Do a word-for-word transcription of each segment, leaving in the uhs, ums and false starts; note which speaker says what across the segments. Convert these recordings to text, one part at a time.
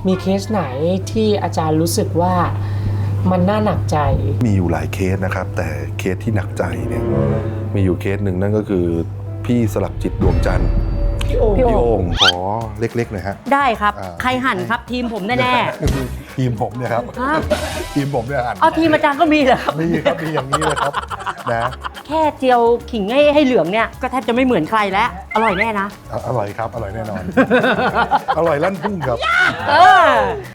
Speaker 1: มีเคสไหนที่อาจารย์รู้สึกว่ามันน่าหนักใจ
Speaker 2: มีอยู่หลายเคสนะครับแต่เคสที่หนักใจเนี่ยมีอยู่เคสหนึ่งนั่นก็คือพี่สลักจิตดวงจันทร์พี่โอ่งพี่โอ่งขอเล็กๆหน่อยฮะ
Speaker 3: ได้ครับใครหั่นครับทีมผมแน่
Speaker 2: ๆทีมผมเนี่ยครับทีมผมเนี่ยหั่น
Speaker 3: เอาทีมอาจารย์ก็มีเหรอครับ
Speaker 2: มีครับมีอย่างนี้เลยครับนะ
Speaker 3: แค่เจียวขิงให้ให้เหลืองเนี่ยก็แทบจะไม่เหมือนใครแล้วอร่อยแน่นะ
Speaker 2: อร่อยครับอร่อยแน่นอนอร่อยลั่นพุ่งครับ
Speaker 3: เออ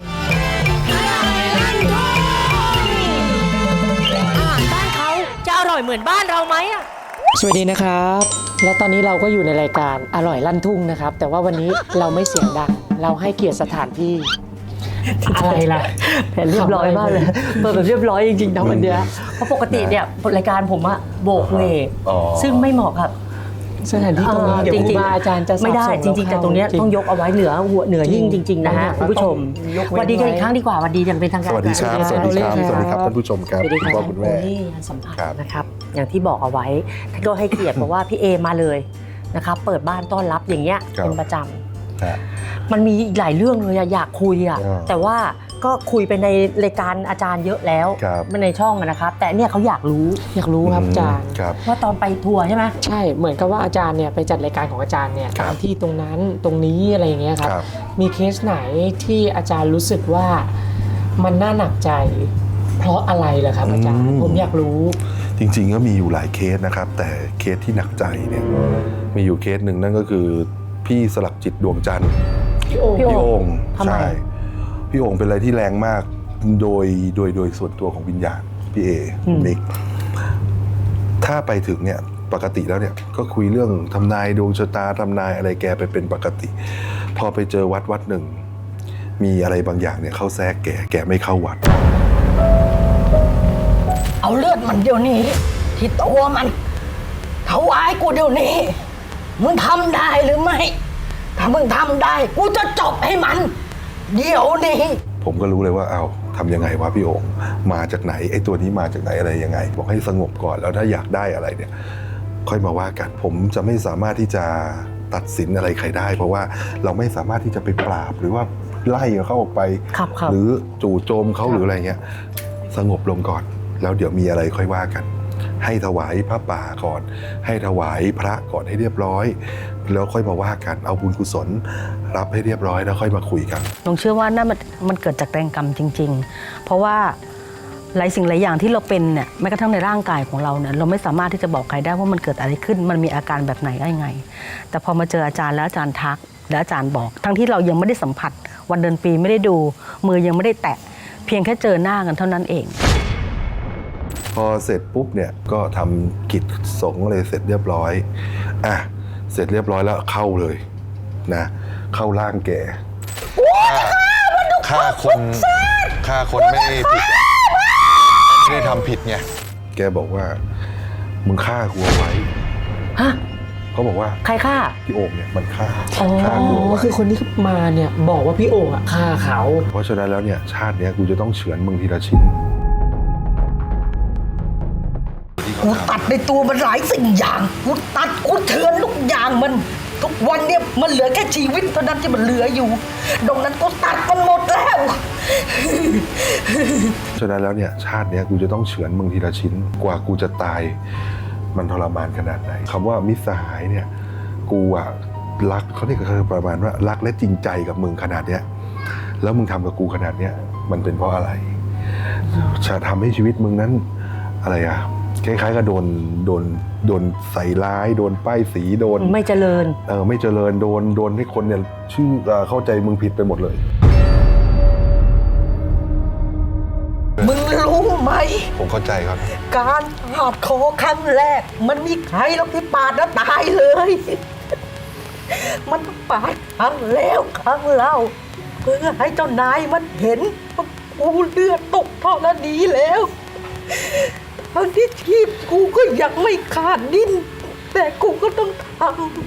Speaker 3: อาหารบ้านเขาจะอร่อยเหมือนบ้านเราไหมอ่ะ
Speaker 1: สวัสดีนะครับและตอนนี้เราก็อยู่ในรายการอร่อยลั่นทุ่งนะครับแต่ว่าวันนี้เราไม่เสียงดังเราให้เกียรติสถานที่อะไรล่ะ
Speaker 3: แผนเรียบร้อยมากเลยเปิดแบบเรียบร้อยจริงๆนะวันเนี้ยเพราะปกติเนี่ยรายการผมอะโบกเวกซึ่งไม่เหมาะกับ
Speaker 1: สถานที่ตรงนี้เดี๋ยวครูบาอาจารย์จะ
Speaker 3: ไม่ได้จริงๆแต่ตรงนี้ต้องยกเอาไว้เหนือหัวเหนือยิ่งจริงๆนะฮะคุณผู้ชมวันดีกันอีกครั้งดีกว่าวันดีอย่างเป็นทางการ
Speaker 2: สวัสดีครับสวัสดีครับสวัสดีครับท่านผู้ชมครับคุณพ่อคุณแม่
Speaker 3: สัมภาษณ์นะครับอย่างที่บอกเอาไว้ท่านก็ให้เกียรติบอกว่าพี่เอมาเลยนะครับเปิดบ้านต้อนรับอย่างเงี้ยเป็นประจำมันมีอีกหลายเรื่องเลยอยากคุยอ่ะแต่ว่าก็คุยไปในรายการอาจารย์เยอะแล้วในช่องนะครับแต่เนี่ยเขาอยากรู้
Speaker 1: อยากรู้ครับอาจารย์
Speaker 3: ว่าตอนไปทัวร์ใช่ไหม
Speaker 1: ใช่เหมือนกับว่าอาจารย์เนี่ยไปจัดรายการของอาจารย์เนี่ยตามที่ตรงนั้นตรงนี้อะไรอย่างเงี้ยครับมีเคสไหนที่อาจารย์รู้สึกว่ามันน่าหนักใจเพราะอะไรล่ะครับอาจารย์ผมอยากรู้
Speaker 2: จริงๆก็มีอยู่หลายเคสนะครับแต่เคสที่หนักใจเนี่ยมีอยู่เคสหนึ่งนั่นก็คือพี่สลักจิตดวงจันทร์
Speaker 3: พี่โอ่ง
Speaker 2: พี่โอ่งใช่พี่โอ่งเป็นอะไรที่แรงมากโดยโดยโดยส่วนตัวของวิญญาณพี่เอมิกถ้าไปถึงเนี่ยปกติแล้วเนี่ยก็คุยเรื่องทำนายดวงชะตาทำนายอะไรแกไปเป็นปกติพอไปเจอวัดวัดหนึ่งมีอะไรบางอย่างเนี่ยเข้าแทรกแกแกไม่เข้าวัด
Speaker 4: เอาเลือดมันเดี๋ยวนี้ที่ตัวมันถวายกูเดี๋ยวนี้มึงทำได้หรือไม่ถ้ามึงทำได้กูจะจบให้มันเดี๋ยวนี้
Speaker 2: ผมก็รู้เลยว่าเอาทำยังไงวะพี่โอ่งมาจากไหนไอ้ตัวนี้มาจากไหนอะไรยังไงบอกให้สงบก่อนแล้วถ้าอยากได้อะไรเนี่ยค่อยมาว่ากันผมจะไม่สามารถที่จะตัดสินอะไรใครได้เพราะว่าเราไม่สามารถที่จะไปปราบหรือว่าไล่เขาออกไปหรือจู่โจมเขาหรืออะไรเงี้ยสงบลงก่อนแล้วเดี๋ยวมีอะไรค่อยว่ากันให้ถวายพระป่าก่อนให้ถวายพระก่อนให้เรียบร้อยแล้วค่อยมาว่ากันเอาบุญกุศลรับให้เรียบร้อยแล้วค่อยมาคุยกัน
Speaker 3: ผมเชื่อว่านั่นมันมันเกิดจากแรงกรรมจริงๆเพราะว่าหลายสิ่งหลายอย่างที่เราเป็นเนี่ยแม้กระทั่งในร่างกายของเราเนี่ยเราไม่สามารถที่จะบอกใครได้ว่ามันเกิดอะไรขึ้นมันมีอาการแบบไหนได้ไงแต่พอมาเจออาจารย์แล้วอาจารย์ทักแล้วอาจารย์บอกทั้งที่เรายังไม่ได้สัมผัสวันเดือนปีไม่ได้ดูมือยังไม่ได้แตะเพียงแค่เจอหน้ากันเท่านั้นเอง
Speaker 2: พอเสร็จปุ๊บเนี่ยก็ทำกิจสงฆ์เลยเสร็จเรียบร้อยอ่ะเสร็จเรียบร้อยแล้วเข้าเลยนะเข้าร่างแก
Speaker 5: ฆ่าคนฆ่าคนไม่ผิดไม่ได้ทำผิดไง
Speaker 2: แกบอกว่ามึงฆ่ากูเอาไว้
Speaker 3: ฮะ
Speaker 2: เขาบอกว่า
Speaker 3: ใครฆ่า
Speaker 2: พี่โอ่งเนี่ยมันฆ่า
Speaker 1: ฆ่ากูคือคนที่มาเนี่ยบอกว่าพี่โอ่งอ่ะฆ่าเขา
Speaker 2: เพราะฉะนั้นแล้วเนี่ยชาติเนี้ยกูจะต้องเฉือนมึงทีละชิ้น
Speaker 4: กูตัดในตัวมันหลายสิ่งอย่างกูตัดกูเถือนทุกอย่างมันทุกวันเนี่ยมันเหลือแค่ชีวิตเท่านั้นที่มันเหลืออยู่ดังนั้นกูตัดมันหมดแล้ว
Speaker 2: ฉะนั้นแล้วเนี่ยชาติเนี้ยกูจะต้องเฉือนมึงทีละชิ้นกว่ากูจะตายมันทรมานขนาดไหนคำว่ามิตรสหายเนี่ยกูอะรักเขาเนี่ยคือประมาณว่ารักและจริงใจกับมึงขนาดเนี้ยแล้วมึงทำกับกูขนาดเนี้ยมันเป็นเพราะอะไรจะทำให้ชีวิตมึงนั้นอะไรอะคล้ายๆกับโดนโดนโดนใส่ร้ายโดนป้ายสีโดน
Speaker 3: ไม่เจริญ
Speaker 2: เออไม่เจริญโดนโดนให้คนเนี่ยชื่อเข้าใจมึงผิดไปหมดเลย
Speaker 4: มึงรู้ไหม
Speaker 2: ผมเข้าใจครับ
Speaker 4: การปาดคอครั้งแรกมันมีใครหรอกที่ปาดแล้วตายเลยมันปาดครั้งแล้วครั้งเล่าเพื่อให้เจ้านายมันเห็นว่ากูเลือดตกท่อนั้นดีแล้วทั้งที่ชีพกูก็ยังไม่ขาดดิ้นแต่กูก็ต้องท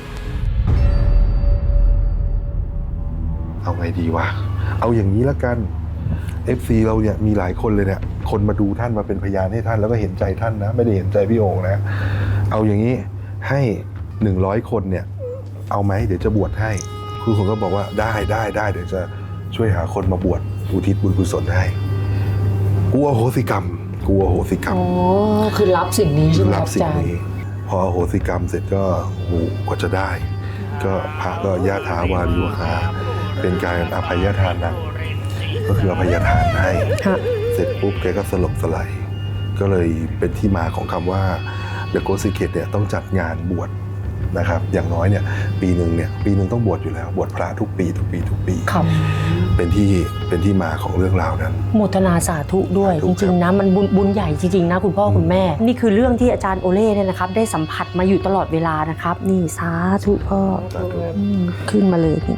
Speaker 2: ำเอาไงดีวะเอาอย่างนี้ละกัน เอฟ ซี เราเนี่ยมีหลายคนเลยเนี่ยคนมาดูท่านมาเป็นพยานให้ท่านแล้วก็เห็นใจท่านนะไม่ได้เห็นใจพี่โอ่งนะเอาอย่างนี้ให้หนึ่งร้อยคนเนี่ยเอาไหมเดี๋ยวจะบวชให้คือคนก็บอกว่าได้ได้ได้เดี๋ยวจะช่วยหาคนมาบวชอุทิศบุญกุศลให้กูอโหสิกรรมกูอโหสิกรรม
Speaker 1: อ๋อคือรับสิ่งนี้ใช่ไหมค
Speaker 2: รั
Speaker 1: รั
Speaker 2: บบ สิ่
Speaker 1: อาง จารย์
Speaker 2: นี้พออโหสิกรรมเสร็จก็โอ้โหกว่าจะได้ ก็พระก็ยะถาวาริวหาเป็นการอภัยทานนะก็คืออภัยทานให้ เสร็จปุ๊บแกก็สลบสลายก็เลยเป็นที่มาของคำว่า The Ghost Secret เนี่ยต้องจัดงานบวชนะครับอย่างน้อยเนี่ยปีหนึ่งเนี่ยปีหนึ่งต้องบวชอยู่แล้วบวชพระทุกปีทุกปีทุกปี
Speaker 6: ครับ
Speaker 2: เป็นที่เป็นที่มาของเรื่องราวนั้น
Speaker 6: โมทนาสาธุด้วย
Speaker 2: สาธุ
Speaker 6: จริงๆนะมันบุญบุญใหญ่จริงๆนะคุณพ่อคุณแม่ นี่คือเรื่องที่อาจารย์โอเล่เนี่ยนะครับ ได้สัมผัสมาอยู่ตลอดเวลานะครับ นี่สาธุพ่อ
Speaker 2: สาธุ
Speaker 6: อืมขึ้นมาเลยนี่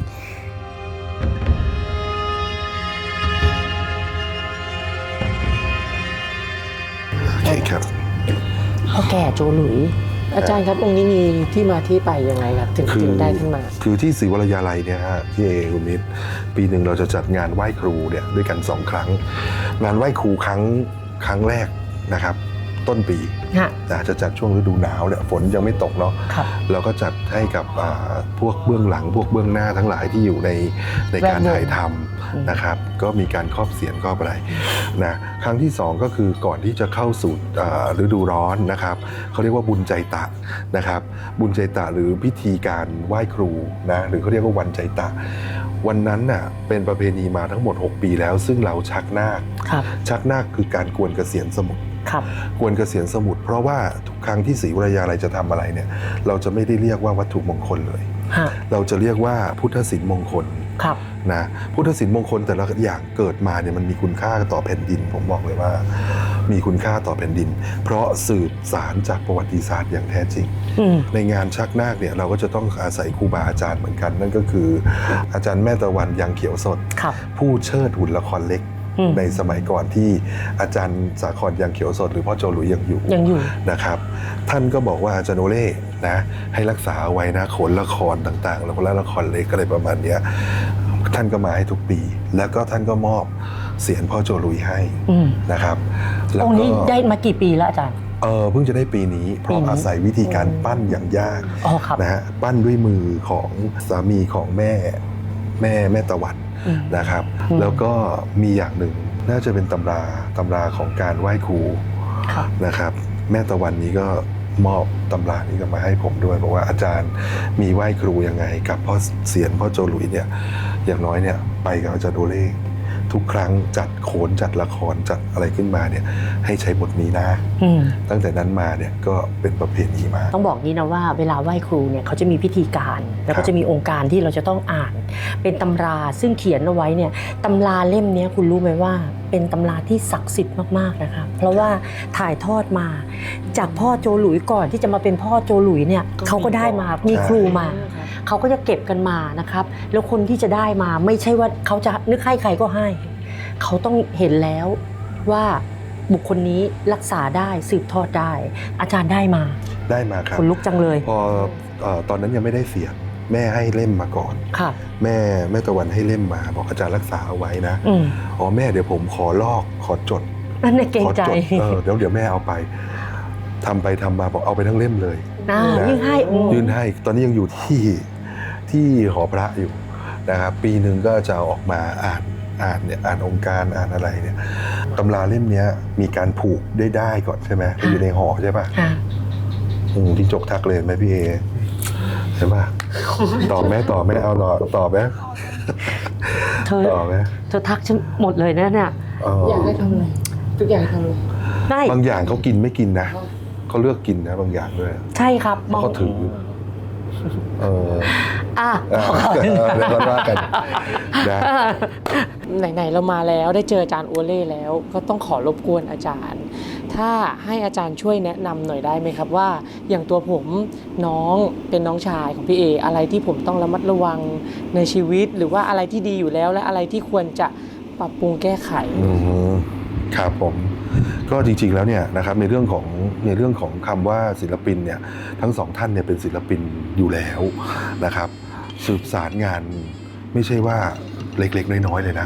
Speaker 2: โอเคครับ
Speaker 6: พ่อแก่โจหลุย
Speaker 1: อาจารย์ครับองค์นี้มีที่มาที่ไปยังไงครับ ถึง
Speaker 2: คือ
Speaker 1: ถึงได้ขึ้นมา
Speaker 2: คือที่ศรีวรยาลัยเนี่ยฮะพี่เอคุณนิดปีหนึ่งเราจะจัดงานไหว้ครูเนี่ยด้วยกันสองครั้ง งานไหว้ครูครั้งครั้งแรกนะครับ ต้นปี
Speaker 6: ฮะ
Speaker 2: นะจะจัดช่วงฤดูหนาวเนี่ยฝนยังไม่ตกเนาะ
Speaker 6: ครับ
Speaker 2: เราก็จัดให้กับอ่าพวกเบื้องหลังพวกเบื้องหน้าทั้งหลายที่อยู่ในในการ
Speaker 6: แวดวง
Speaker 2: ถ่ายทำนะครับ ก็มีการครอบเสียนครอบอะไรนะครั้งที่สองก็คือก่อนที่จะเข้าสู่อ่าฤดูร้อนนะครับเขาเรียกว่าบุญใจตะนะครับ บุญใจตะหรือพิธีการไหว้ครูนะหรือเขาเรียกว่าวันใจตะ วันนั้นน่ะเป็นประเพณีมาทั้งหมดหกปีแล้ว ซึ่งเราชักนาค
Speaker 6: ครับ
Speaker 2: ชักนาคคือการกวนเกษียณสมุทร
Speaker 6: ครับ
Speaker 2: กวนเกษียณสมุทรเพราะว่าทุกครั้งที่ศรีวรยาลัยจะทำอะไรเนี่ยเราจะไม่ได้เรียกว่าวัตถุมงคลเลย
Speaker 6: ฮะ
Speaker 2: เราจะเรียกว่าพุทธศิลป์มงคล
Speaker 6: ครับ
Speaker 2: นะพุทธศิลป์มงคลแต่ละอย่างเกิดมาเนี่ยมันมีคุณค่าต่อแผ่นดินผมบอกเลยว่า มีคุณค่าต่อแผ่นดิน เพราะสืบสารจากประวัติศาสตร์อย่างแท้จริง
Speaker 6: อืม
Speaker 2: ในงานชักนาคเนี่ยเราก็จะต้องอาศัยครูบาอาจารย์เหมือนกัน นั่นก็คืออาจารย์แม่ตะวันยังเขียวสด
Speaker 6: ครับ
Speaker 2: ผู้เชิดหุ่นละครเล็ก
Speaker 6: อืม
Speaker 2: ในสมัยก่อนที่อาจารย์สาครยังเขียวสด หรือพ่อโจหลุยยังอยู่
Speaker 6: ยังอยู่
Speaker 2: นะครับ ท่านก็บอกว่าอาจารย์โอเล่นะให้รักษาเอาไว้นะโขนละครต่างๆ แล้วก็ละครเล็กอะไรประมาณเนี้ยท่านก็มาให้ทุกปี แล้วก็ท่านก็มอบเสียงพ่อโจหลุยให้
Speaker 6: อืม
Speaker 2: นะครับแล้ว
Speaker 6: องค์
Speaker 2: ก็
Speaker 6: นี้ได้มากี่ปีแล้วอาจารย์
Speaker 2: เออเพิ่งจะได้ปีนี้ เพ
Speaker 6: ปี
Speaker 2: ราะ
Speaker 6: นี้
Speaker 2: อาศัยวิธีการปั้นอย่างยาก
Speaker 6: อ๋อครับ
Speaker 2: นะฮะปั้นด้วยมือของสามีของแม่แม่แม่ตะวัน
Speaker 6: อืม
Speaker 2: นะครับ
Speaker 6: อืม
Speaker 2: แล้วก็มีอย่างหนึ่งน่าจะเป็นตำราตำราของการไหว้ครู
Speaker 6: ครับ
Speaker 2: นะครับ แม่ตะวันนี้ก็มอบตำรานี้ก็มาให้ผมด้วยบอกว่าอาจารย์มีไหว้ครูยังไง กับพ่อเสียนพ่อโจหลุยเนี่ยอย่างน้อยเนี่ยไปกับอาจารย์โอเล่ทุกครั้งจัดโขนจัดละครจัดอะไรขึ้นมาเนี่ยให้ใช้บทนี้นะ
Speaker 6: อืม
Speaker 2: ตั้งแต่นั้นมาเนี่ยก็เป็นประเพณีมา
Speaker 6: ต้องบอกนี้นะว่าเวลาไหว้ครูเนี่ยเขาจะมีพิธีการ แล้ว
Speaker 2: ครั
Speaker 6: ก็
Speaker 2: บ
Speaker 6: จะมีองค์การที่เราจะต้องอ่าน เป็นตำราซึ่งเขียนเอาไว้เนี่ยตำราเล่มเนี้ยคุณรู้ไหมว่าเป็นตำราที่ศักดิ์สิทธิ์มากๆนะครับเพราะว่าถ่ายทอดมาจากพ่อโจหลุยก่อนที่จะมาเป็นพ่อโจหลุยเนี่ย
Speaker 1: ก็มี
Speaker 6: เขาก็ได้มามีครูมา เขาก็จะเก็บกันมานะครับแล้วคนที่จะได้มาไม่ใช่ว่าเขาจะนึกให้ใครก็ให้ เขาต้องเห็นแล้วว่าบุคคลนี้รักษาได้สืบทอดได้ อาจารย์ได้มา
Speaker 2: ได้มาครับ
Speaker 6: คนลุกจังเลย
Speaker 2: พอเอ่อตอนนั้นยังไม่ได้เสียงแม่ให้เล่มมาก่อน
Speaker 6: ค่ะ
Speaker 2: แม่แม่ตะวันให้เล่มมาบอกอาจารย์รักษาเอาไว้นะ
Speaker 6: อืม
Speaker 2: อ๋อแม่เดี๋ยวผมขอลอกขอจด
Speaker 6: นั่นในเกรง
Speaker 2: ขอ
Speaker 6: ใจ
Speaker 2: จดเออเดี๋ยวเดี๋ยวแม่เอาไปทำไปทำมาบอกเอาไปทั้งเล่มเลย
Speaker 6: นะ
Speaker 2: นะ
Speaker 6: ยิ่งให้อืม
Speaker 2: ยื่นให้ตอนนี้ยังอยู่ที่ที่หอพระอยู่นะครับปีหนึ่งก็จะเอาออกมาอ่านอ่านเนี่ยอ่านองค์การอ่านอะไรเนี่ยตำราเล่มเนี้ยมีการผูกได้ได้ก่อนใช่ไหมอยู่ในห่อใช่ป่ะ
Speaker 6: ค่ะ
Speaker 2: อืมพี่จกทักเลยไหมพี่เอใช่ป่ะตอบไหมตอบไหมเอาตอบตอบไหม
Speaker 6: เธอ
Speaker 2: ตอบไหม
Speaker 6: เธอทักฉันหมดเลยนะเนี่ย
Speaker 2: เออ
Speaker 1: อยากให้ทำอะไรทุกอย่างทำเลย
Speaker 6: ได้
Speaker 2: บางอย่างเขากินไม่กินนะเขาเลือกกินนะบางอย่างด้วย
Speaker 6: ใช่ครับ
Speaker 2: เพราะเขาถือเออ
Speaker 6: อ่ะ
Speaker 2: อ่ะเดี๋ยวเราว่ากันนะ
Speaker 1: ไหนๆเรามาแล้วได้เจออาจารย์โอเล่แล้วก็ต้องขอรบกวนอาจารย์ ถ้าให้อาจารย์ช่วยแนะนำหน่อยได้ไหมครับว่า อย่างตัวผมน้องเป็นน้องชายของพี่เออะไรที่ผมต้องระมัดระวังในชีวิต หรือว่าอะไรที่ดีอยู่แล้ว และอะไรที่ควรจะปรับปรุงแก้ไข
Speaker 2: อืมครับผมก็จริงๆแล้วเนี่ยนะครับในเรื่องของในเรื่องของคำว่าศิลปินเนี่ยทั้งสองท่านเนี่ยเป็นศิลปินอยู่แล้วนะครับ สืบสารงานไม่ใช่ว่าเล็กๆน้อยๆเลยนะ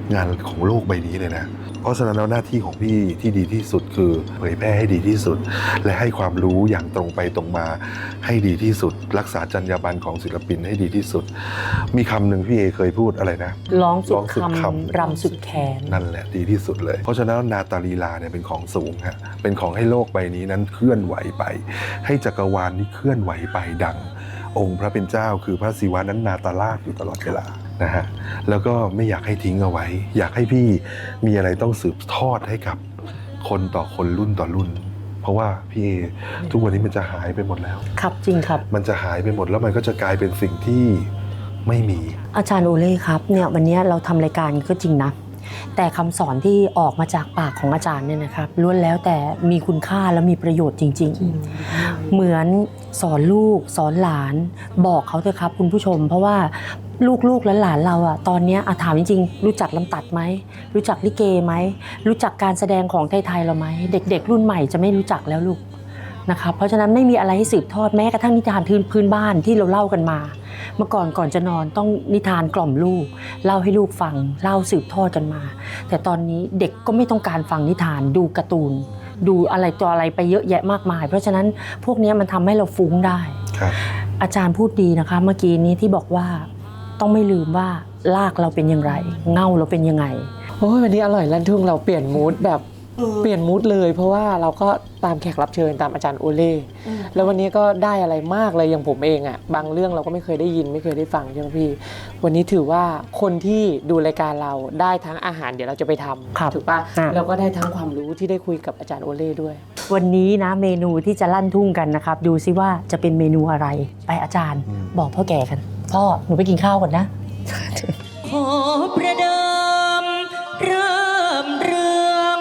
Speaker 2: งานของโลกใบนี้เลยนะเพราะฉะนั้นแล้วหน้าที่ของพี่ที่ดีที่สุดคือเผยแพร่ให้ดีที่สุด และให้ความรู้อย่างตรงไปตรงมาให้ดีที่สุด รักษาจรรยาบรรณของศิลปินให้ดีที่สุด มีคำหนึ่งพี่เอเคยพูดอะไรนะ
Speaker 6: ร้องสุด
Speaker 2: ร้องสุด
Speaker 6: คำ
Speaker 2: คำ
Speaker 6: รำสุดแขน
Speaker 2: นั่นแหละดีที่สุดเลย เพราะฉะนั้นนาตาลีลาเนี่ยเป็นของสูงฮะเป็นของให้โลกใบนี้นั้นเคลื่อนไหวไป ให้จักรวาลนี้เคลื่อนไหวไปดัง องค์พระเป็นเจ้าคือพระศิวะนั้นนาตาลาศอยู่ตลอดเวลานะฮะแล้วก็ไม่อยากให้ทิ้งเอาไว้ อยากให้พี่มีอะไรต้องสืบทอดให้กับคนต่อคนรุ่นต่อรุ่น เพราะว่าพี่เอทุกวันนี้มันจะหายไปหมดแล้ว
Speaker 6: ครับจริงครับ
Speaker 2: มันจะหายไปหมดแล้วมันก็จะกลายเป็นสิ่งที่ไม่มี
Speaker 6: อาจารย์โอเล่ครับเนี่ยวันนี้เราทำรายการก็จริงนะแต่คำสอนที่ออกมาจากปากของอาจารย์เนี่ยนะครับล้วนแล้วแต่มีคุณค่าและมีประโยชน์จริง ๆ เหมือนสอนลูกสอนหลานบอกเขาเถอะครับคุณผู้ชม เพราะว่าลูกๆและหลานเราอะตอนนี้อะถามจริงๆรู้จักลำตัดไหมรู้จักลิเกไหมรู้จักการแสดงของไทยๆเราไหมเด็กๆรุ่นใหม่จะไม่รู้จักแล้วลูกนะครับเพราะฉะนั้นไม่มีอะไรให้สืบทอดแม้กระทั่งนิทานพื้นบ้านที่เราเล่ากันมา เมื่อก่อนก่อนจะนอนต้องนิทานกล่อมลูกเล่าให้ลูกฟังเล่าสืบทอดกันมา แต่ตอนนี้เด็กก็ไม่ต้องการฟังนิทานดูการ์ตูนดูอะไรต่ออะไรไปเยอะแยะมากมาย เพราะฉะนั้นพวกนี้มันทำให้เราฟุ้งได้
Speaker 2: ครับ
Speaker 6: อาจารย์พูดดีนะคะเมื่อกี้นี้ที่บอกว่าต้องไม่ลืมว่ารากเราเป็นอย่างไรเง่าเราเป็นยังไง
Speaker 1: โอ้ยวันนี้อร่อยลั่นทุ่งเราเปลี่ยนมูดแบบเปลี่ยนมูดเลย เพราะว่าเราก็ตามแขกรับเชิญตามอาจารย์โอเล่แล้ววันนี้ก็ได้อะไรมากเลยอย่างผมเองอ่ะบางเรื่องเราก็ไม่เคยได้ยินไม่เคยได้ฟังใช่ไหมพี่วันนี้ถือว่าคนที่ดูรายการเราได้ทั้งอาหารเดี๋ยวเราจะไปท
Speaker 6: ครับ
Speaker 1: ำถูกปะ
Speaker 6: อ่ะ
Speaker 1: แล้วก็ได้ทั้งความรู้ที่ได้คุยกับอาจารย์โอเล่ด้วย
Speaker 6: วันนี้นะเมนูที่จะลั่นทุ่งกันนะครับดูซิว่าจะเป็นเมนูอะไรไปอาจารย์
Speaker 2: อืม
Speaker 6: บอกพ่อแก่กันพ่อหนูไปกินข้าวก่อนนะ
Speaker 7: ขอประเดิมเริ่มเรื่อง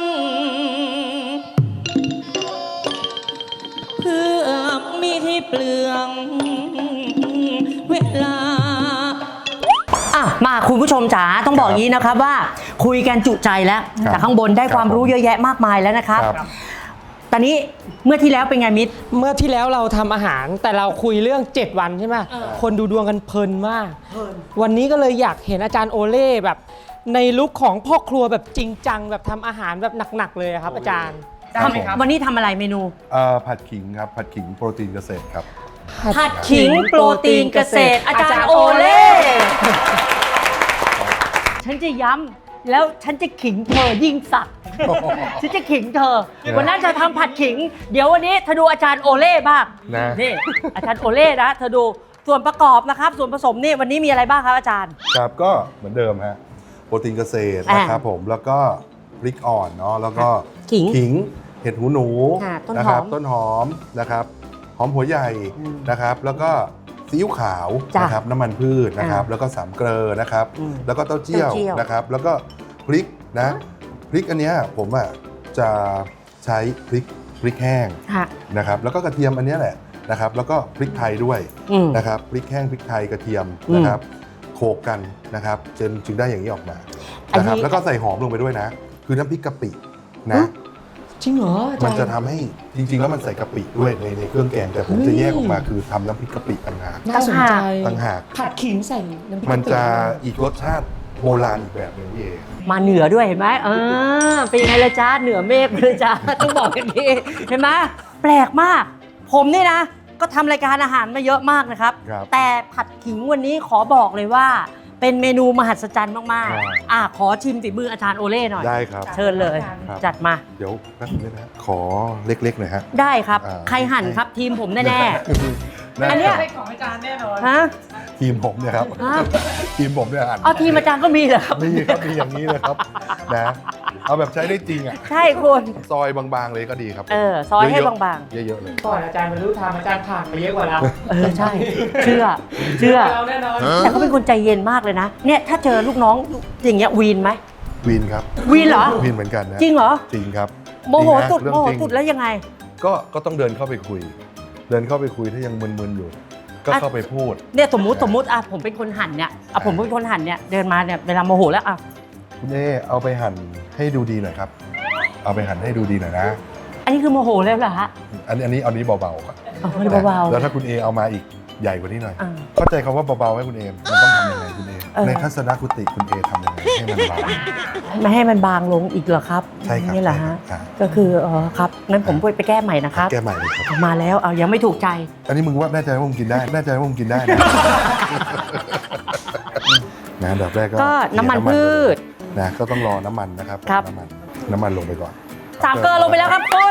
Speaker 7: เพื่อมีให้เปลืองเวลา
Speaker 6: อ่ะมาคุณผู้ชมจ๋าต้องบอกอย่างนี้นะครับว่าคุยกันจุใจแล้ว
Speaker 2: ครับ
Speaker 6: จากข้างบนได้ความ
Speaker 2: ครับ
Speaker 6: รู้เยอะแยะมากมายแล้วนะครับ
Speaker 2: ครับ
Speaker 6: ตอนนี้เมื่อที่แล้วเป็นไงมิตร
Speaker 1: เมื่อที่แล้วเราทำอาหารแต่เราคุยเรื่องเจ็ดวันใช่ไหมคนดูดวงกันเพลินมาก วันนี้ก็เลยอยากเห็นอาจารย์โอเล่แบบในลุคของพ่อครัวแบบจริงจังแบบทำอาหารแบบหนักๆเลยอะครับอาจารย์
Speaker 2: ครับผม
Speaker 6: วันนี้ทำอะไรเมนู
Speaker 2: เอ่อผัดขิงครับผัดขิงโปรตีนเกษตรครับ
Speaker 6: ผัดขิงโปรตีนเกษตร อาจารย์โอเล่ฉันจะย้ำแล้วฉันจะขิงเธอยิ่งสักดิ์ฉันจะขิงเธอ วันนั้นจะทำผัดขิง เดี๋ยววันนี้เธอดูอาจารย์โอเล่บ้าง
Speaker 2: นะ
Speaker 6: นี่อาจารย์โอเล่นะเธอดูส่วนประกอบนะครับ ส่วนผสมนี่วันนี้มีอะไรบ้างครับอาจารย์
Speaker 2: ครับก็เหมือนเดิมฮะโปรตีนเกษตรนะครับผมแล้วก็พริกอ่อนเนาะแล้วก็
Speaker 6: ขิง
Speaker 2: ขิงเห็ดหูหนู
Speaker 6: ค่ะต้น
Speaker 2: นะ
Speaker 6: ห
Speaker 2: ค
Speaker 6: อ
Speaker 2: รั
Speaker 6: ม
Speaker 2: ต้นหอมนะครับหอมหัวใหญ่
Speaker 6: อืม
Speaker 2: นะครับ แล้วก็ซีอิ๊วขาว
Speaker 6: จ้ะ
Speaker 2: นะครับน้ำมันพืชนะครับ
Speaker 6: อ่า
Speaker 2: แล้วก็สามเกลอนะครับ
Speaker 6: อืม
Speaker 2: แล้วก็เต้าเจี้ยว
Speaker 6: เต้าเจี้ยว
Speaker 2: นะครับ แล้วก็พริกนะพริกอันเนี้ยผมอ่ะจะใช้พริกพริกแห้ง
Speaker 6: ค่ะ
Speaker 2: นะครับ แล้วก็กระเทียมอันเนี้ยแหละนะครับ แล้วก็พริกไทยด้วย
Speaker 6: อืม
Speaker 2: นะครับพริกแห้งพริกไทยกระเทียม
Speaker 6: อืม
Speaker 2: นะครับโขลกกันนะครับจนจึงได้อย่างนี้ออกมา
Speaker 6: อันนี้
Speaker 2: นะครับแล้วก็ใส่หอมลงไปด้วยนะ คือน้ำพริกกะปินะ
Speaker 1: จริงเหรออาจารย์
Speaker 2: มันจะทำให้จริง ๆ แล้วมันใส่กะปิด้วยในในเครื่องแกงแต่ผมจะแยกออกมาคือทำน้ำพริกกะปิต่างหาก
Speaker 1: น่าสนใจ
Speaker 2: ต่างหาก
Speaker 1: ผัดขิงใส่น้ำพริก
Speaker 2: มันจะ
Speaker 1: กะปิ
Speaker 2: อีกรสชาติโบราณอีกแบบหนึงพี่เอ
Speaker 6: มาเหนือด้วยเห็นไหมเออเป็นยังไงละจ้าเหนือเมฆเลยจ้า ต้องบอกกันดีเห็นไหมแปลกมาก ผมนี่นะ ก็ทำรายการอาหารมาเยอะมากนะครับ
Speaker 2: ครับ
Speaker 6: แต่ผัดขิงวันนี้ขอบอกเลยว่า เป็นเมนูมหัศจรรย์มาก
Speaker 2: ครับ
Speaker 6: ๆอ่ะขอชิมฝีมืออาจารย์โอเล่หน่อย
Speaker 2: ได้ครับ
Speaker 6: เชิญเลย
Speaker 2: ครับ
Speaker 6: จัดมา
Speaker 2: เดี๋ยวแป๊บนึงนะขอเล็กๆหน่อยฮะ
Speaker 6: ได้ครับ
Speaker 2: อ่า
Speaker 6: ใครหั่นครับทีมผมแน่
Speaker 2: ได้
Speaker 6: ๆอันเนี้ย
Speaker 1: ของอาจารย์แน่นอน
Speaker 6: ฮะ
Speaker 2: ทีมผมเนี่ยครับ
Speaker 6: ฮะ
Speaker 2: ทีมผมเนี่ยอ่าน
Speaker 6: เอาทีมอาจารย์ก็มีเหรอครับ
Speaker 2: นี่ครับมีอย่างนี้เลยครับนะเอาแบบใช้ได้จริงอ่ะ
Speaker 6: ใช่คุณ
Speaker 2: ซอยบางๆเลยก็ดีครับ
Speaker 6: เออซอยให้
Speaker 2: เะๆ
Speaker 6: บาง
Speaker 2: เยอะๆเลย
Speaker 1: ก่อนอาจารย์บรรลุธรรมอาจารย์ผ่านมาเยอะกว่าเรา
Speaker 6: เออใช่ เชื่อ เชื่อ
Speaker 1: เราแน่นอน
Speaker 6: แต่เขาเป็นคนใจเย็นมากเลยนะ เนี่ยถ้าเจอลูกน้องอย่างเงี้ยวีนไหม
Speaker 2: วินครับ
Speaker 6: วีนเหรอ
Speaker 2: วินเหมือนกันนะ
Speaker 6: จริงเหรอ
Speaker 2: จริงครับ
Speaker 6: โมโห
Speaker 2: จริงนะ
Speaker 6: สุด
Speaker 2: เรื่
Speaker 6: โม
Speaker 2: อง
Speaker 6: โห
Speaker 2: จริง
Speaker 6: สุดแล้วยังไง
Speaker 2: ก็ก็ต้องเดินเข้าไปคุย เดินเข้าไปคุยถ้ายังมึนๆอยู่ ก็
Speaker 6: อ่ะ
Speaker 2: เข้าไปพูด
Speaker 6: เนี่ยสมมุติสมมุติอ่ะผมเป็นคนหั่นเนี่ยอ่ะผมเป็นคนหั่นเนี่ยเดินมาเนี่ยเวลาโมโหแล้วอ่ะ
Speaker 2: คุณเอเอาไปหั่นให้ดูดีหน่อยครับ เอาไปหั่นให้ดูดีหน่อยนะ
Speaker 6: อันนี้คือโมโหแล้วเหรอฮะ
Speaker 2: อันนี้อันนี้เอานี้เบาๆก่อน
Speaker 6: เอาเบา
Speaker 2: แล้วถ้าคุณเอเอามาอีกใหญ่กว่านี้หน่อย
Speaker 6: ๆอ่ะ
Speaker 2: เข้าใจคำว่าเบาๆให้คุณเอมันต้องทำยังไงคุณเอ
Speaker 6: เออ
Speaker 2: ในทัศนคติคุณเอทำยังไงให้มันบาง
Speaker 6: ไม่ให้มันบางลงอีกเหรอครับ
Speaker 2: ใช่ครับ
Speaker 6: นี่เหรอฮะ
Speaker 2: ใช่ครับ
Speaker 6: ก็คืออ๋อครับงั้นผมไปไปแก้ใหม่นะครับ
Speaker 2: แก้ใหม่เลยครับ
Speaker 6: มาแล้วเอายังไม่ถูกใจ
Speaker 2: อันนี้มึงว่าแน่ใจว่ามึงกินได้แน่ใจว่ามึงกินได้นะ นะอันดับแรกก็
Speaker 6: ก็น้ำมันพืช
Speaker 2: นะก็ต้องรอน้ำมันนะครับ
Speaker 6: ครับ
Speaker 2: น้ำมันน้ำมันลงไปก่อน
Speaker 6: สามเกลือลงไปแล้วครับคุณ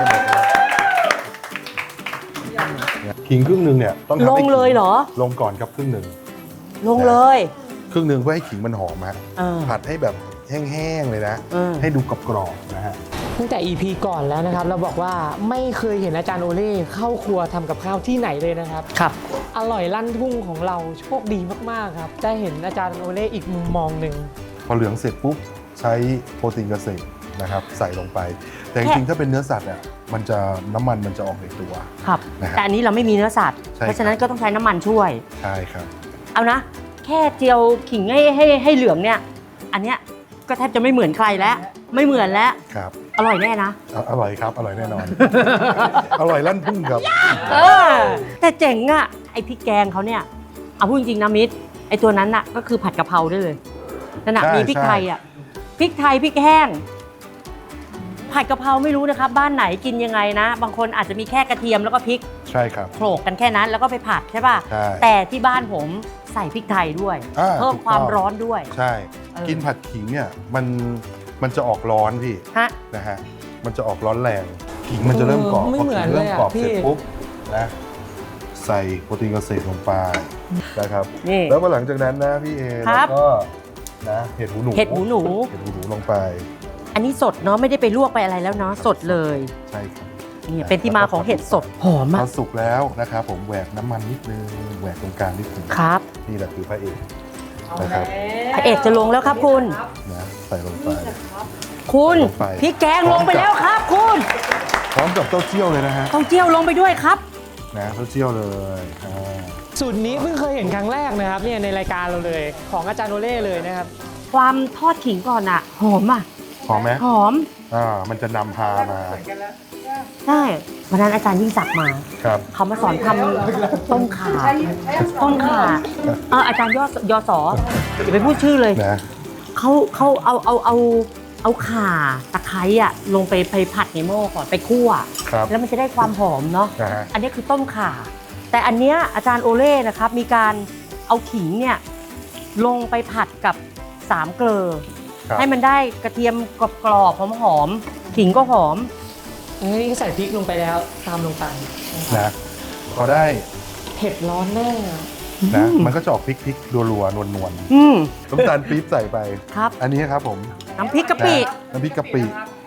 Speaker 2: ขิงครึ่งหนึ่งเนี่ยต้องทำ
Speaker 6: ล
Speaker 2: ให้
Speaker 6: ง
Speaker 2: ขิ
Speaker 6: เลยเหรอ
Speaker 2: ลงก่อนครับครึ่งหนึ่ง
Speaker 6: ลงเลย
Speaker 2: ครึ่งหนึ่งเพื่อให้ขิงมันหอมฮะ
Speaker 6: เออ
Speaker 2: ผัดให้แบบแห้งๆเลยนะ
Speaker 6: เออ
Speaker 2: ให้ดูกรอบๆนะฮะ
Speaker 1: ตั้งแต่ อี พี ก่อนแล้วนะครับ เราบอกว่าไม่เคยเห็นอาจารย์โอเล่เข้าครัวทำกับข้าวที่ไหนเลยนะครับ
Speaker 6: ครับ
Speaker 1: อร่อยลั่นทุ่งของเราโชคดีมากๆครับได้เห็นอาจารย์โอเล่อีกมุมมองหนึ่ง
Speaker 2: พอเหลืองเสร็จปุ๊บใช้โปรตีนเกษตรนะครับใส่ลงไป แต่จ
Speaker 6: แค่
Speaker 2: ริงๆถ้าเป็นเนื้อสัตว์อ่ะมันจะน้ำมันมันจะออกในตัว
Speaker 6: ครับ
Speaker 2: นะฮะ
Speaker 6: แต่อันนี้เราไม่มีเนื้อสัตว์
Speaker 2: ใช่
Speaker 6: เพราะฉะนั้นก็ต้องใช้น้ำมันช่วย
Speaker 2: ใช่ครับ
Speaker 6: เอานะ แค่เจียวขิงให้ให้ให้เหลืองเนี่ย อันเนี้ยก็แทบจะไม่เหมือนใครแล้ว ไม่เหมือนแล้ว
Speaker 2: ครับ
Speaker 6: อร่อยแน่นะ
Speaker 2: ออร่อยครับอร่อยแน่นอน อร่อยลั่นทุ่งครับ
Speaker 6: เออแต่เจ๋งอะไอพริกแกงเขาเนี่ยเอาพูดจริงๆนะมิตรไอตัวนั้นน่ะก็คือผัดกะเพราได้เลยนั่นน่ะ
Speaker 2: ใช่
Speaker 6: มีพริก
Speaker 2: ใช่
Speaker 6: ไทยอะพริกไทยพริกแห้ง ผัดกะเพราไม่รู้นะครับ บ้านไหนกินยังไงนะ บางคนอาจจะมีแค่กระเทียมแล้วก็พริก
Speaker 2: ใช่ครับ
Speaker 6: โขลกกันแค่นั้นแล้วก็ไปผัดใช่ป่ะ
Speaker 2: ใช่
Speaker 6: แต่ที่บ้านผมใส่พริกไทยด้วย
Speaker 2: อ่า
Speaker 6: เพิ่ม
Speaker 2: ถูกต้อง
Speaker 6: ความร้อนด้วย
Speaker 2: ใช่
Speaker 6: เออ
Speaker 2: กินผัดขิงเนี่ยมันมันจะออกร้อนพี่
Speaker 6: ฮะ
Speaker 2: นะฮะมันจะออกร้อนแรงขิงมันจะเริ่มกรอบ
Speaker 1: เออไม่
Speaker 2: พอ
Speaker 1: เหมื
Speaker 2: ขิ
Speaker 1: อน
Speaker 2: งเริ่ม
Speaker 1: เลยอะ
Speaker 2: กรอบ
Speaker 1: พี่
Speaker 2: เสร็จปุ๊บนะใส่โปรตีนเกษตรลงไปนะครับ
Speaker 6: นี่
Speaker 2: แล้วพอหลังจากนั้นนะพี่เอ
Speaker 6: ครั
Speaker 2: แล้
Speaker 6: บ
Speaker 2: วก็นะเห็ดหูหนู
Speaker 6: เห็ดหูหนู
Speaker 2: เห็ดหูหนูลงไป
Speaker 6: อันนี้สดเนาะไม่ได้ไปลวกไปอะไรแล้วเนาะสดเลย
Speaker 2: ใช่ครับ
Speaker 6: นี่เป็นที่มาของเห็ดสดหอม
Speaker 2: พ
Speaker 6: มา
Speaker 2: อก สุกแล้วนะครับผมแหวกน้ำมันนิดนึงแหวกตรงกลางนิดนึง
Speaker 6: ครับ
Speaker 2: นี่แหละคือพระเอกนะครับ
Speaker 6: พระเอกจะลงแล้วครับคุณ
Speaker 2: นะใส่ลงไป
Speaker 6: คุณ
Speaker 2: ลงไป
Speaker 6: พริกแกงลงไปแล้วครับคุณ
Speaker 2: พร้อมกับเต้าเจี้ยวเลยนะฮะ
Speaker 6: เต้าเจี้ยวลงไปด้วยครับ
Speaker 2: นะเต้าเจี้ยวเลยอ่า
Speaker 1: สูตรนี้เพิ่งเคยเห็นครั้งแรกนะครับเนี่ยในรายการเราเลยของอาจารย์โอเล่เลยนะครับ
Speaker 6: ความทอดขิงก่อนอะหอมอะ
Speaker 2: หอมไหม
Speaker 6: หอม
Speaker 2: อ่ามันจะนำพามา
Speaker 6: ใช่วันนั้นอาจารย์ยิ่งศักดิ์มา
Speaker 2: ครับ
Speaker 6: เขามาสอนทำต้มข่าต้มข่าเอออาจารย์ยอดยอสออย่าไปพูดชื่อเลย
Speaker 2: นะ
Speaker 6: เขาเขาเอาเอาเอาเอาข่าตะไคร้อะลงไปไปผัดในหม้อก่อนไปคั่ว
Speaker 2: ครับ
Speaker 6: แล้วมันจะได้ความหอมเนาะ
Speaker 2: นะฮะ
Speaker 6: อันนี้คือต้มข่า แต่อันเนี้ยอาจารย์โอเล่นะครับมีการเอาขิงเนี่ยลงไปผัดกับสามเกลอ
Speaker 2: ครับ
Speaker 6: ให้มันได้กระเทียมกรอบๆหอมๆขิงก็หอม
Speaker 1: อันนี้ก็ใส่พริกลงไปแล้วตามลงไป
Speaker 2: นะพอได้
Speaker 1: เผ็ดร้อนแน่อะ
Speaker 2: นะมันก็จะออกพริกพริกรัวๆนวล
Speaker 6: อืม
Speaker 2: ๆน้ำตาลปี๊บใส่ไป
Speaker 6: ครับ
Speaker 2: อันนี้ครับผม
Speaker 6: น้ำพริกกะปิ
Speaker 2: นะน้ำพริกกะปิ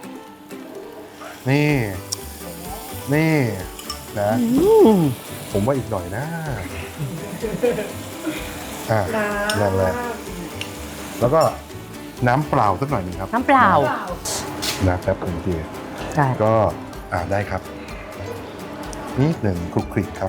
Speaker 2: นี่ นี่นะ
Speaker 6: อืม
Speaker 2: ผมว่าอีกหน่อยนะอ่านั่นแหละแล้วก็น้ำเปล่าสักหน่อยหนึงครับ
Speaker 6: น้ำเปล่า
Speaker 2: นะแป๊บหนึ่งที
Speaker 6: ได้
Speaker 2: ก็อ่าได้ครับนิดหนึ่งคลุกคลิกครับ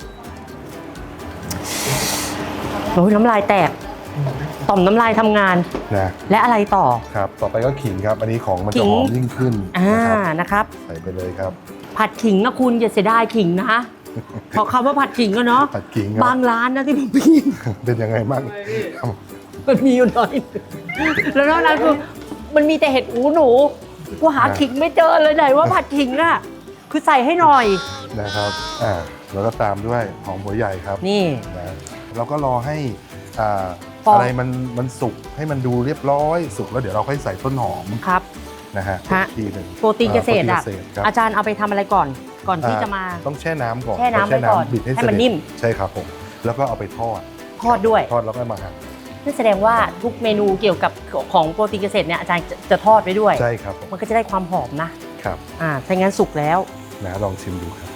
Speaker 6: โอ้ยน้ำลายแตก ต่อมน้ำลายทำงาน
Speaker 2: นะ
Speaker 6: และอะไรต่อ
Speaker 2: ครับ ต่อไปก็ขิงครับ อันนี้ของมัน
Speaker 6: ขิ
Speaker 2: จะ
Speaker 6: ง
Speaker 2: หอมยิ่งขึ้น
Speaker 6: อ่า
Speaker 2: นะครับ
Speaker 6: นะครับ
Speaker 2: ใส่ไปเลยครับ
Speaker 6: ผัดขิงนะคุณอย่าเสียดายขิงนะเพราะคำว่าผัดขิงก็เนาะ
Speaker 2: ผัดขิงครับ
Speaker 6: บางร้านนะที่ผมไปกิน
Speaker 2: เป็นยังไงบ้าง
Speaker 6: มันมีอยู่หน่อย แล้วนอกนั้นคือมันมีแต่เห็ดหูหนูกูหาขิงไม่เจอเลยไหนว่าผัดขิงอ่ะคือใส่ให้หน่อย
Speaker 2: นะครับอ่าแล้วก็ตามด้วยหอมหัวใหญ่ครับ
Speaker 6: นี่
Speaker 2: นะเราก็รอให้อ่า
Speaker 6: ฟอง
Speaker 2: อะไรมันมันสุกให้มันดูเรียบร้อยสุกแล้วเดี๋ยวเราค่อยใส่ต้นหอม
Speaker 6: ครับ
Speaker 2: นะฮะ
Speaker 6: ฮะ
Speaker 2: อีกทีหนึ่ง
Speaker 6: โปรตีนเกษตรอ่ะ
Speaker 2: โปตีนเกษตรครับ
Speaker 6: อาจารย์เอาไปทำอะไรก่อน ก่อนที่จะมา
Speaker 2: ต้องแช่น้ำก่อน
Speaker 6: แช่น้ำไว้ก่อน
Speaker 2: บิดให้
Speaker 6: ให้
Speaker 2: เส
Speaker 6: มัน
Speaker 2: ด็จ
Speaker 6: นิ่ม
Speaker 2: ใช่ครับผมแล้วก็เอาไปทอด
Speaker 6: ทอดด้วย
Speaker 2: ทอดแล้วก็มาหั่น
Speaker 6: นั่นแสดงว่าทุกเมนูเกี่ยวกับของโปรตีนเกษตรเนี่ยอาจารย์จะจะทอดไว้ด้วย
Speaker 2: ใช่ครับผม
Speaker 6: มันก็จะได้ความหอมนะ
Speaker 2: ครับ
Speaker 6: อ่าถ้างั้นสุกแล้ว
Speaker 2: นะลองชิมดูครับ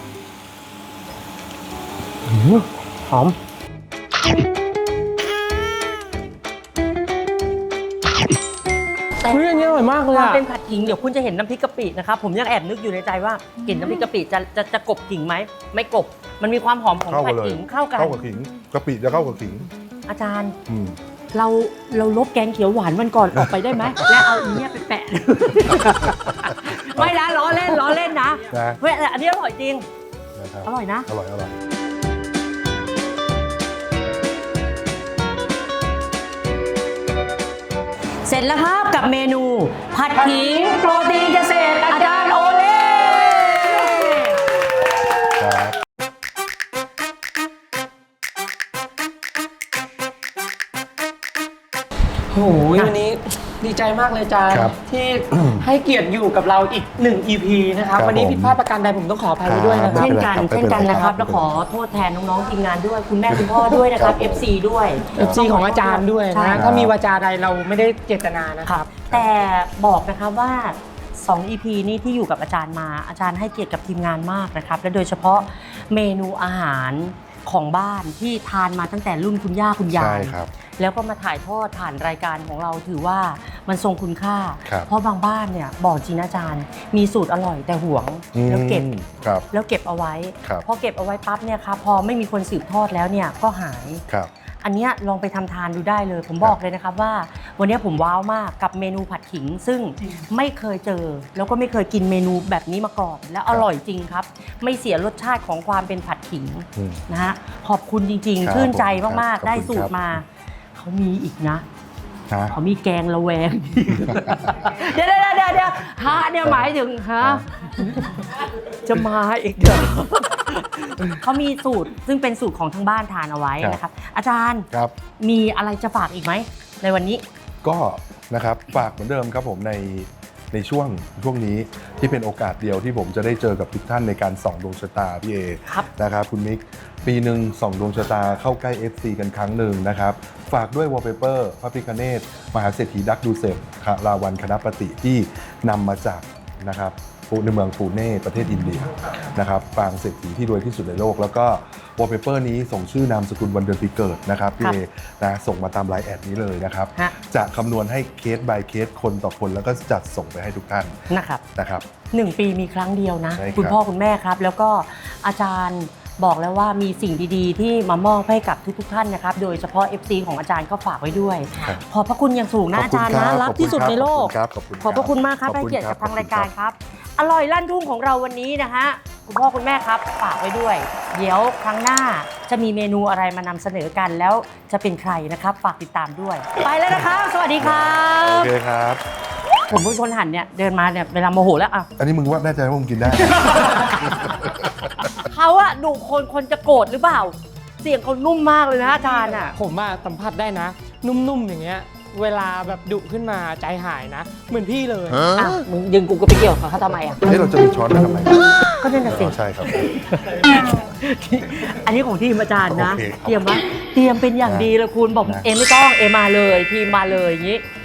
Speaker 6: หอม แต่
Speaker 1: เฮ้ยอันนี้อร่อยมากเลย
Speaker 6: ความ
Speaker 1: อะ
Speaker 6: เป็นผัดขิงเดี๋ยวคุณจะเห็นน้ำพริกกะปินะครับผมยังแอบนึกอยู่ในใจว่ากลิ่นน้ำพริกกะปิจะจะจะกลบขิงไหมไม่กลบมันมีความหอมของ
Speaker 2: เข้ากั
Speaker 6: ผั
Speaker 2: น
Speaker 6: ด
Speaker 2: เลย
Speaker 6: ขิงเข้ากัน
Speaker 2: เข้ากับขิงกะปิจะเข้ากับขิง
Speaker 6: อาจารย์
Speaker 2: อืม
Speaker 6: เราเราลบแกงเขียวหวานวันก่อนออกไปได้ไหม แล้วเอาอันเนี้ยไปแปะ ไม่นะล้อเล่นล้อเล่นนะ
Speaker 2: นะ
Speaker 6: เฮ้ยแต่อันนี้อร่อยจริง
Speaker 2: นะครับ
Speaker 6: อร่อยนะ
Speaker 2: อร่อยอร่อย
Speaker 6: เสร็จแล้วครับกับเมนู ผัดขิงโปรตีนเกษตรอาจารย์โอเล่
Speaker 2: ครับ
Speaker 1: โอ้โหวันนี้ดีใจมากเลยอาจารย์
Speaker 2: ครับ
Speaker 1: ที่ ให้เกียรติอยู่กับเราอีกหนึ่ง อี พี นะครับ
Speaker 2: ครับ
Speaker 1: วันนี้
Speaker 2: ผม
Speaker 1: ผิดพลาดประการใดผมต้องขออภัยไว้ด้วยนะค
Speaker 2: ครั
Speaker 1: รับ
Speaker 2: บ
Speaker 6: เช่นกัน
Speaker 2: ไม่
Speaker 6: เช่น
Speaker 2: เป็นไร
Speaker 6: กันนะครับ
Speaker 2: ไม่
Speaker 6: แล้ว
Speaker 2: เป็น
Speaker 6: ข
Speaker 2: ไร
Speaker 6: อโทษแทนน้องๆทีมงานด้วย คุณแม่คุณพ่อด้วยนะครับ เอฟ ซี ด้วย
Speaker 1: เอฟซี ของอาจารย์ด้วย
Speaker 6: ใช่
Speaker 1: นะ ถ้ามีวาจาใดเราไม่ได้เจตนานะ
Speaker 6: ค
Speaker 1: ค
Speaker 6: รั
Speaker 1: รั
Speaker 6: บบ แต่บอกนะครับว่าสอง อี พี นี้ที่อยู่กับอาจารย์มาอาจารย์ให้เกียรติกับทีมงานมากนะครับและโดยเฉพาะเมนูอาหารของบ้านที่ทานมาตั้งแต่รุ่นคุณย่าคุณยา
Speaker 2: ใช่
Speaker 6: ย
Speaker 2: ครับ
Speaker 6: แล้วก็มาถ่ายทอดผ่านรายการของเราถือว่ามันทรงคุณค่า
Speaker 2: ครับ
Speaker 6: เพราะบางบ้านเนี่ยบอกจริงนะอาจารย์ มีสูตรอร่อยแต่หวงแล้วเก็บ
Speaker 2: อืมครับ
Speaker 6: แล้วเก็บเอาไว้
Speaker 2: ครับ
Speaker 6: พอเก็บเอาไว้ปั๊บเนี่ยครับพอไม่มีคนสืบทอดแล้วเนี่ยก็หาย
Speaker 2: ครับ
Speaker 6: อันเนี้ยลองไปทำทานดูได้เลย ผมบอกเลยนะครับว่า วันเนี้ยผมว้าวมากกับเมนูผัดขิง ซึ่งไม่เคยเจอ แล้วก็ไม่เคยกินเมนูแบบนี้มาก่อน และอร่อยจริงครับ ไม่เสียรสชาติของความเป็นผัดขิง
Speaker 2: อืม
Speaker 6: นะฮะขอบคุณจริง
Speaker 2: ครับ
Speaker 6: ๆ ชื่นใจ
Speaker 2: ผม
Speaker 6: มาก
Speaker 2: ครับ
Speaker 6: ๆ ได้
Speaker 2: ขอบคุณ
Speaker 6: สูต
Speaker 2: ครั
Speaker 6: ร
Speaker 2: บ
Speaker 6: มา เขามีอีกนะ
Speaker 2: ฮะ
Speaker 6: เขามีแกงละแวง เดี๋ยวเดี๋ยวเดี๋ยวเดี๋ยวฮะเนี่ยหมายถึงฮะจะมาอีกเดี๋ยวเขามีสูตรซึ่งเป็นสูตรของทางบ้านทานเอาไว้นะครับ อาจารย์
Speaker 2: ครับ
Speaker 6: มีอะไรจะฝากอีกไหมในวันนี้
Speaker 2: ก็นะครับฝากเหมือนเดิมครับผมในในช่วงช่วงนี้ที่เป็นโอกาสเดียวที่ผมจะได้เจอกับทุกท่านในการส่องดวงชะตาพี่เอ
Speaker 6: ครับ
Speaker 2: นะครับคุณมิกปีหนึ่งส่องดวงชะตาเข้าใกล้ เอฟ ซี กันครั้งหนึ่งนะครับฝากด้วยวอลเปเปอร์พระพิฆเนศมหาเศรษฐีดักดูเซฟราวันคณปฏิที่นำมาจากนะครับในเมืองปูเน่ประเทศอินเดียนะครับปางเศรษฐีที่รวยที่สุดในโลก แล้วก็วอลเปเปอร์นี้ส่งชื่อนามสกุลวันเดือนปีเกิดนะครับพี่เอนะส่งมาตามไลน์แอดนี้เลยนะครับ
Speaker 6: ฮะ
Speaker 2: จะคำนวณให้เคส by เคสคนต่อคนแล้วก็จัดส่งไปให้ทุกท่าน
Speaker 6: นะครับ
Speaker 2: นะครับ
Speaker 6: หนึ่งปีมีครั้งเดียวนะ
Speaker 2: ใช่ครับ
Speaker 6: คุณพ่อคุณแม่ครับ แล้วก็อาจารย์บอกแล้วว่ามีสิ่งดีๆ ที่มามอบให้กับทุกๆท่านนะครับ โดยเฉพาะ เอฟ ซี ของอาจารย์ก็ฝากไว้ด้วย
Speaker 2: ครับ
Speaker 6: ขอบพระคุณอย่างสูงนะอาจารย์นะรักที่สุดในโลก
Speaker 2: ขอบคุณครับขอบคุณ
Speaker 6: ขอบพระคุณมากครับ
Speaker 2: ขอบ
Speaker 6: ให้
Speaker 2: คุณ
Speaker 6: เกียรติ
Speaker 2: ครั
Speaker 6: กับทางรายการครับ อร่อยลั่นทุ่งของเราวันนี้นะฮะคุณพ่อคุณแม่ครับฝากไว้ด้วย เดี๋ยวครั้งหน้าจะมีเมนูอะไรมานำเสนอกันแล้วจะเป็นใครนะครับฝากติดตามด้วย ไปแล้วนะครับ สวัสดีครั
Speaker 2: โอบ เคครับ
Speaker 6: ผมเป็นคนหันเนี่ยเดินมาเนี่ยเวลาโมโหแล้วอ่ะ
Speaker 2: อันนี้มึงว่าแน่ใจว่ามึงกินได้
Speaker 6: เขาอะดุคนคนจะโกรธหรือเปล่า เสียงเขานุ่มมากเลยนะอาจารย์อะ
Speaker 1: ผมอะสัมผัสได้นะ นุ่มๆอย่างเงี้ย เวลาแบบดุขึ้นมาใจหายนะ เหมือนพี่เลย
Speaker 6: อ่ะมึงดึงกูก็ไปเกี่ยวกับเขาทำไมอะ
Speaker 2: เฮ้ยเราจะมีช้อนมาทำไม
Speaker 6: ก็นั่นน่ะสิ
Speaker 2: อ๋อใช่ครับ
Speaker 6: อันนี้ของทีมอาจารย์นะ
Speaker 2: โอเคครับ
Speaker 6: เตรียมไว้เตรียมเป็นอย่างดีเลยคุณบอก
Speaker 2: นะ
Speaker 6: เอมไม่ต้องเอมมาเลยทีมมาเลยอย่างนี้